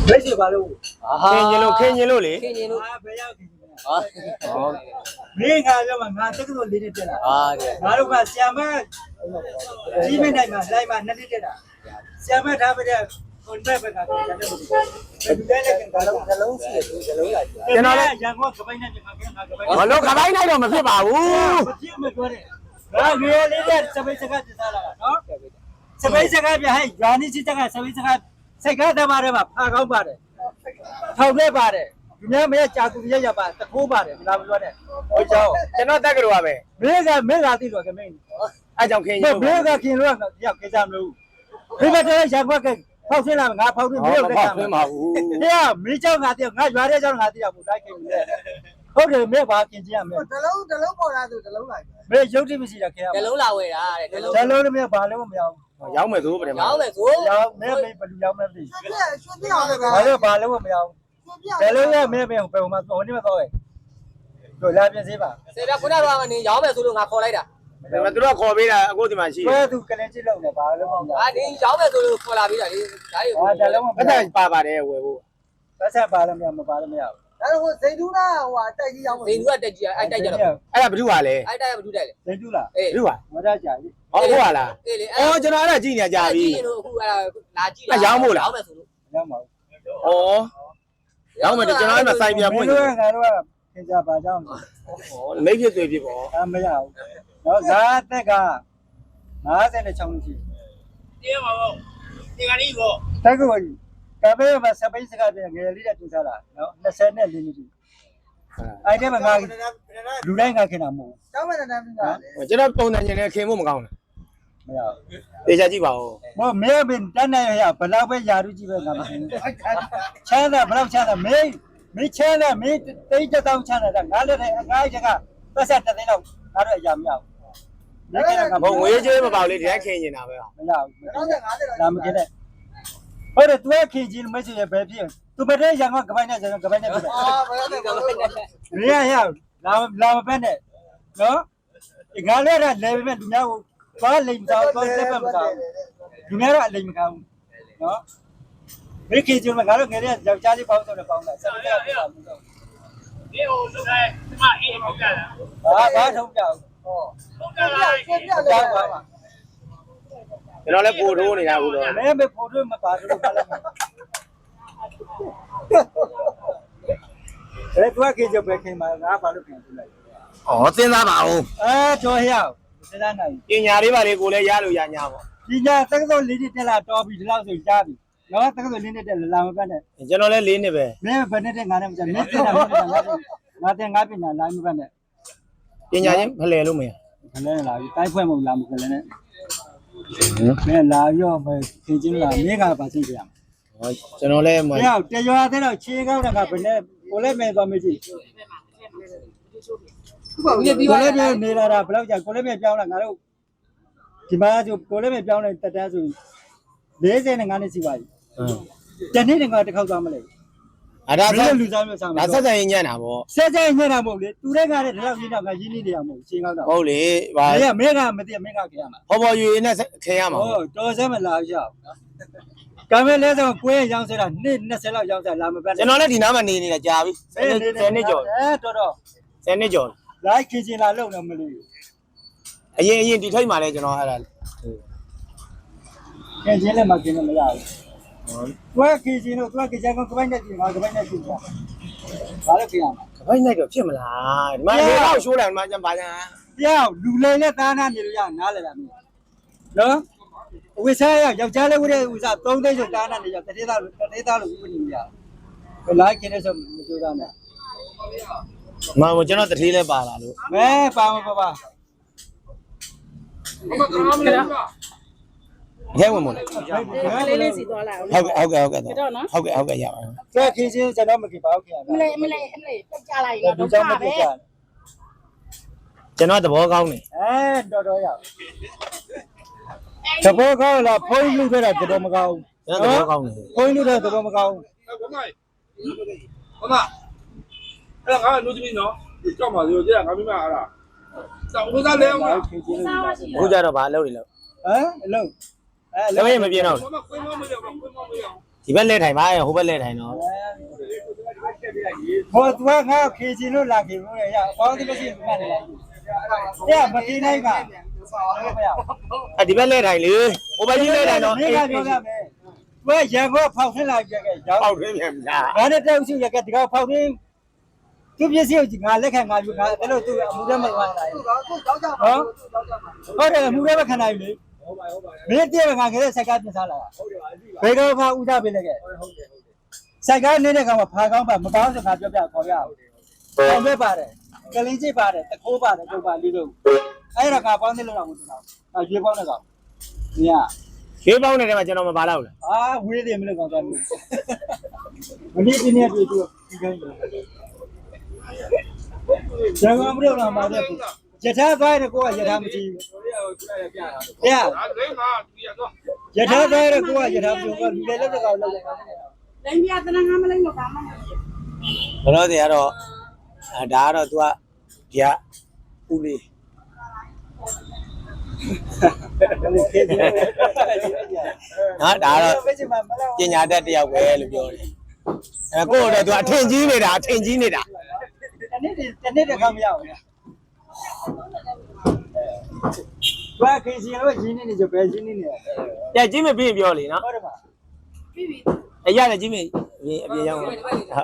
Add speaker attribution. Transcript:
Speaker 1: 没事吧喽？
Speaker 2: ခင်ရင်လို့လေ
Speaker 3: ခင်ရင်လို့
Speaker 1: 啊，不要紧。
Speaker 3: ဟာ
Speaker 1: 没看着嘛，俺这个都离得近了。
Speaker 3: ဟာကဲ
Speaker 1: 俺如果下面几米来嘛，来嘛，那离得了。下面他们的，我那边看，真的不行。你在那跟他
Speaker 3: နှလုံးစီတယ်နှလုံးလိုက်ကြ
Speaker 1: ကျွန်တော်လည်းရန်ကုန်ကပိုင်းနဲ့ငါကငါကပိုင်း
Speaker 2: ဘာလို့ခပိုင်းလိုက်တော့မဖြစ်ပါဘူး
Speaker 1: မကြည့်မပြောနဲ့ငါငယ်လေးတဲ့စပိတ်စကားတစားလာတာနော်စပိတ်စကားပြဟဲ့ရွာနေစစ်တက်ကစပိတ်စကားစိတ်ကားသမားတွေမှာဖာကောင်းပါတယ်ထောက်လဲပါတယ်ဒီများမရကြာကူရရပါတခိုးပါတယ်ဒီလားမပြောနဲ့ဟိုကြောင်း
Speaker 2: ကျွန်တော်တက်ကြလို့ပါပဲ
Speaker 1: မင်းကသိတော့ကမင်း
Speaker 2: အဲကြောင့်ခင်ရင်
Speaker 1: မ
Speaker 2: လို့
Speaker 1: င်းကခင်လို့ရောက်ကိစ္စမလို့ဒီဘက်တည်းရကွက်ကဖောက်ဆင်းလာငါဖောက်ပြီးမင်းကိုကိစ္စမလို့
Speaker 2: မဟုတ်ဘူး
Speaker 1: တရားမင်းเจ้าငါတည်းငါရွာတဲ့เจ้าငါတည်းဘူးလိုက်ခင်လေဟုတ်တယ်မင်းဘာခင်ကြည့်ရမလဲ
Speaker 4: တလုံးပေါ်လာသူတလုံးလိုက်
Speaker 1: မင်းရုပ်တိမရှိတာခင်ရ
Speaker 3: နှလုံးလာဝဲတာတဲ့နှလုံး
Speaker 1: ဇလုံးလည်းမရဘာလို့မရဘူး
Speaker 2: ရောက်မယ်သို့ပြန်
Speaker 3: ရောင်းမယ်ဆို
Speaker 1: ရောက်မင်းဘယ်လူရောက်မလဲသိ
Speaker 4: ရွှေပြအောင်လည်း
Speaker 1: ဘာလို့ဘာလို့မရဘူးဇလုံးလည်းမင်းဘယ်ဟိုမှာဟိုနေ့မတော့ရဲ့တို့လာပြင်စေးပါ
Speaker 3: စေတာခုနကတော့ကနေရောင်းမယ်ဆိုလို့ငါခေါ်လိုက်တာ
Speaker 2: ဒါပေမဲ့သူတို့ခေါ်ပေးတာအခုဒီမှာရှိ
Speaker 1: ဘယ်သူကလည်းကြည့်လို့လဲဘာလို့မရ
Speaker 3: အာဒီရောင်းမယ်ဆိုလို့ခေါ်လာပြီးတာလေဒါတွေ
Speaker 1: ဟာဇလုံးမ
Speaker 2: ပတ်သက်ပါပါတယ်ဝယ်ဖို့
Speaker 1: ပတ်ဆက်ပါလို့မရမပါလို့မရဘူး
Speaker 4: ဒါတော့ဇိန်တူးနာဟိုတိုက်ကြီးရောက်မှာ
Speaker 3: ဇိန်သူကတက်ကြီးအဲ့တိုက်ကြတော့
Speaker 2: အဲ့ဒါဘယ်သူကလဲ
Speaker 3: အဲ့တိုက်ရမတူတယ်လေ
Speaker 1: ဇိန်တူလား
Speaker 3: အေး
Speaker 2: ဘယ်သူက
Speaker 1: မရကြဘူး
Speaker 2: ဟောဟုတ်ပါလား
Speaker 3: အေးလေ
Speaker 2: အော်ကျွန်တော်အဲ့ဒါကြည့်နေကြပြီ
Speaker 3: လို့အခုအဲ့ဒါလာကြည့်
Speaker 2: ရောင်းဖို့လား
Speaker 3: ရောင်းမယ်ဆိုလို့
Speaker 1: ရောက်မှာ
Speaker 2: ဩရောင်းမယ်ကျွန်တော်အဲ့မှာစိုင်းပြပွင့်
Speaker 1: တို့ကငါတို့ကခင်ကြပါကြောင်း
Speaker 2: ဩမိတ်ဖြစ်သွေးဖြစ်ပေါ့
Speaker 1: အမရဘူးတော့ဇာတက်က56ရှိ
Speaker 5: တင်းပါဘောဒီကနေ့ဘော
Speaker 1: တက်ကူကြီးကပဲမှာစပိတ်စကားပြန်ငယ်လေးတဲ့တူစားလာနော်24နှစ်ရှိအဲ့ဒီမှာငါလူတိုင်းငါခင်တာမဟုတ်
Speaker 4: ကျောင်းမဲ့တန်းပြီးတာ
Speaker 2: ကျွန်တော်ပုံစံချင်းနဲ့ခင်ဖို့မကောင်းဘူး
Speaker 1: မရဘူး
Speaker 2: တေချာကြည့်ပါဦး
Speaker 1: ဘောမဲဘင်တန်းနိုင်ရဘလောက်ပဲယာရုကြည့်ပဲငါမသိဘူးချမ်းသာဘလောက်ချမ်းသာမင်းချမ်းသာမင်းတိတ်တောင်းချမ်းသာငါလည်းအငါးချက်ကပတ်ဆက်တဲ့သိန်းတော့ငါတို့အရာမရဘူးဒီကိစ္စက
Speaker 2: ဘုံငွေကြေးမပေါ့လေဒီတိုင်းခင်နေတာပဲ
Speaker 1: မရဘူး
Speaker 4: 50တော့
Speaker 1: ဒါမခင်နဲ့ဟုတ်တယ်သူကခင်ချင်းမရှိရဘယ်ဖြစ်သူမတဲ့ရံကကပိုင်းနဲ့ကပိုင်းနဲ့ဖြစ်တယ်
Speaker 4: အာဘယ်လိုလဲဘယ်လိုလဲ
Speaker 1: မရရလာမပဲနဲ့နော်ငါလည်းလည်းပဲလူများကိုသွားလိမ်တော့သွားတက်မကောင်းလူများတော့အလိမ်မကောင်းနော်ဘယ်ခင်ချင်းမှာငါတို့ငယ်တဲ့ယောက်ျားလေးပေါင်းတော့ပေါင်းတာဆက်ပြီးတော့
Speaker 5: ဒီဟိုလူကဒီမအေးဟုတ်ကြလား
Speaker 1: ဘာထုံးပြအောင်
Speaker 5: ဟုတ်ကြလား
Speaker 4: ရွှေပြ
Speaker 1: ကြော
Speaker 4: လဲ
Speaker 1: က်ပါမှာ
Speaker 2: ကျွန်တော်လည်းပို့ထိုးနေတာဘူးတော့
Speaker 1: မင်းပဲဖိုးတွေမပါဘူးဘာလဲအဲ့သူကခင်ချင်းပဲခင်မှာငါဘာလို့ခင်ပြလိုက်
Speaker 2: ဩစဉ်းစားပါဦး
Speaker 1: တော်ရအောင်စဉ်းစားနိုင်
Speaker 2: ပညာလေးပါလေကိုလည်းရလို့ရညာပေါ့
Speaker 1: ဒီညာတက္ကသိုလ်လေးတက်လာတော်ပြီဒီလောက်ဆိုကြားပြီနော်တက္ကသိုလ်လေးတက်လာမပတ်နဲ့
Speaker 2: ကျွန်တော်လည်း၄နှစ်ပဲ
Speaker 1: မင်းဘယ်နဲ့တက်ငါနဲ့မကြမင်းတင်တာမင်းတင်တာငါတင်ငါပညာလာမပတ်နဲ့
Speaker 2: ပညာချင်းဖလှယ်လို့မရ
Speaker 1: ခလဲလာပြီတိုက်ဖွဲ့မလာမခလဲနဲ့မင်းလာရောမခင်ချင်းလာမင်းကပါသိကြရမှာ
Speaker 2: ဟောကျွန်တော်လည်းမ
Speaker 1: မင်းတရွာတဲ့တော့ခြေကောက်တာကဘယ်နဲ့ကိုလည်းမဲသွားမကြည့်
Speaker 3: ဒီပြီး
Speaker 1: ကို
Speaker 3: သွား
Speaker 1: လည်းမဲနေလာတာဘယ်လောက်ကြာကိုလည်းမဲပြောင်းလာငါတို့ဒီမှာဆိုကိုလည်းမဲပြောင်းနေတက်တန်းဆို45နှစ်ရှိပါပြီတနေ့တခါတစ်ခေါက်သွားမလဲ
Speaker 2: အဲ့ဒါ
Speaker 1: မင်းလူစားမျိုးစားမှာ
Speaker 2: ဒါဆက်ဆံရင်ညံ့တာပေါ့
Speaker 1: ဆက်ဆက်ညံ့တာမဟုတ်လေသူတဲ့ကလည်းဒီလောက်ရင်းတော့ငါရင်းနေနေရမဟုတ်ရှင်းကောက်တော့
Speaker 2: ဟုတ်လေဗာ
Speaker 1: မင်းကမသိမင်းကခင်ရမှာ
Speaker 2: ဟောပေါ်ယူနဲ့ခင်ရမှာ
Speaker 1: ဟောတော်စဲမလာရအောင်ကမဲလဲဆိုကိုယ်ရောင်းစတာနှစ်20လောက်ရောင်းစလာမပတ်
Speaker 2: ကျွန်တော်လည်းဒီနားမှာနေနေတာကြာပြီ10နှစ်ကျော်
Speaker 1: တော်တော်
Speaker 2: 10နှစ်ကျော်
Speaker 1: လိုက်ခင်ချင်လာလုံတော့မလို့
Speaker 2: အရင်ဒီထိတ်မှာလဲကျွန်တော်အဲ့ဒါ
Speaker 1: ခင်ချင်းလည်းမခင်လည်းမရဘူးတွဲခင်ချင်းတို့တွဲခင်ချင်ကပိုင်းနဲ့ပြင်ငါကပိုင်းနဲ့ပြင်တာဘာလို့ခင်ရမှာ
Speaker 2: ကပိုက်နိုင်တော့ဖြစ်မလားဒီမှာရေတော့ရှိုးတယ်ဒီမှာကျန်ပါညာ
Speaker 1: ပြောင်းလူလိန်နဲ့သားနာနေလို့ရနားလဲတာမင်းနော်ဝိစားရယောက်ျားလေးဝိတဲ့ဥစား3သိန်းဆိုသားနာနေရတတိသားလို့ဥပဒေရဘယ်လိုက်ခင်လဲဆိုမကြိုးစားနဲ့
Speaker 2: မမကျွန်တော်တထေးလဲပါလာလို့
Speaker 1: မဲပါမပါ
Speaker 2: ရဲဝင်မလို့
Speaker 6: လေးစီသွားလာအောင်
Speaker 2: ဟုတ်ကဲ့ဟုတ်ကဲ့ဟုတ်ကဲ့ရပါ
Speaker 1: ကဲခင်ချင်းကျွန်တော်မခင်ပါဘူးခင်ဗျာ
Speaker 6: မလေးပြတ်ကြလိုက်
Speaker 1: ဒီကြောင့်မပြကြ
Speaker 2: ကျွန်တော်သဘောကောင်းတယ်
Speaker 1: တော်တော်ရသဘောကောင်းလားဖုန်းလူခဲ့တာတော်မကောင်း
Speaker 2: ကျွန်တော်သဘောကောင်းတယ်
Speaker 1: ဖုန်းလူတဲ့တော်မကောင်း
Speaker 5: ဘမအဲ့ငါလူကြီးနော်ကြောက်ပါစေကြာငါမိမအားလားစောင်းဝစားလဲအောင်လား
Speaker 1: ခင်ချင်းလူ
Speaker 2: အခုကြတော့ဗာအလုပ်တွေလုပ်
Speaker 1: အလုံး
Speaker 2: လည်းမပြင်းတော့
Speaker 5: ဘမကွင်းမမရဘူးကွင်းမမရဘူး
Speaker 2: ဒီဘက်လဲထိုင်ပါဟိုဘက်လဲထိုင်တော့
Speaker 1: ဟောသူကငါခေချင်လို့လာခေလို့ရအပေါင်းတိမရှိမှတ်တယ်တဲ့မတီးနိုင်ကဟုတ်ပါရ
Speaker 2: ဒီဘက်လဲထိုင်လေဟိုဘက်ကြီးလဲထိုင်တော့
Speaker 1: ဒီကပြောပြမယ်သူကရန်ကုန်ဖောက်ထင်းလာကြခဲ့ရောက်
Speaker 2: ပေါက်တွင်းပြန်ဗျာ
Speaker 1: ငါနဲ့တက်ဥစုရကဒီကဖောက်ထင်းသူပစ္စည်းကိုငါလက်ခံငါယူငါအဲ့လိုသူအမှုထဲမှာဝင်လာတယ်
Speaker 4: သူကြောက်ကြပါသူကြောက်ကြပါ
Speaker 1: ဟုတ်တယ်အမှုထဲမှာခံနိုင်လေမင်းတည်းကငါကလေးစိုက်ကားပြင်စားလာတာဘယ်ကောင်ဖာဥဒပေးလိုက်ခဲ့စိုက်ကားနေတဲ့ကောင်ကဖာကောင်းပါမကောင်းစကားပြောပြခေါ်ပြအောင်ပေါင်းပဲပါတယ်ကလင်းချိပါတယ်တခိုးပါတယ်ကျုပ်ပါလေးလို့အဲ့ဒါကပေါင်းနေလို့တော့မသိတော့ရွေးပေါင်းတဲ့ကောင်မြင်
Speaker 2: ခေးပေါင်းတဲ့ထဲမှာကျွန်တော်မပါတော့ဘူးလား
Speaker 1: အာဝေးတယ်မလို့ကောင်သွားလို့မနေ့ဒီနေ့တွေ့သူဒီကိန်းကျန်ကောင်မလို့တော့မှာတဲ့ယထာသွားတဲ့ကိုကယထာမကြည့်ဘူးဟဲ့
Speaker 5: ဒါလည်းငါသူရတော့
Speaker 1: ယထာသွားတဲ့ကိုကယထာမကြည့်ဘူးလူလည်းလက်ကောင်လောက်တယ်
Speaker 6: လိမ့်ပြတနာငါမလိမ့်တော့ဘာမှမ
Speaker 2: ဘ
Speaker 6: လုပ်
Speaker 2: လို့တွေကတော့ဒါကတော့ तू ကဒီကဦးလေးနော်ဒါတော့ပညာတတ်တယောက်ပဲလို့ပြောတယ်ကိုယ့်တော့ तू အထင်ကြီးနေတာ
Speaker 1: တနေ့တခါမရဘူးဘာခေစီရောရင်းနေကြပဲရင်းနေနေ
Speaker 2: ပြကြီးမပြီးပြောလေနော်
Speaker 1: ဟုတ်တယ်ပါ
Speaker 6: ပြီပြီ
Speaker 2: အဲ့ရတယ်ကြီးမအပြင်ရောက်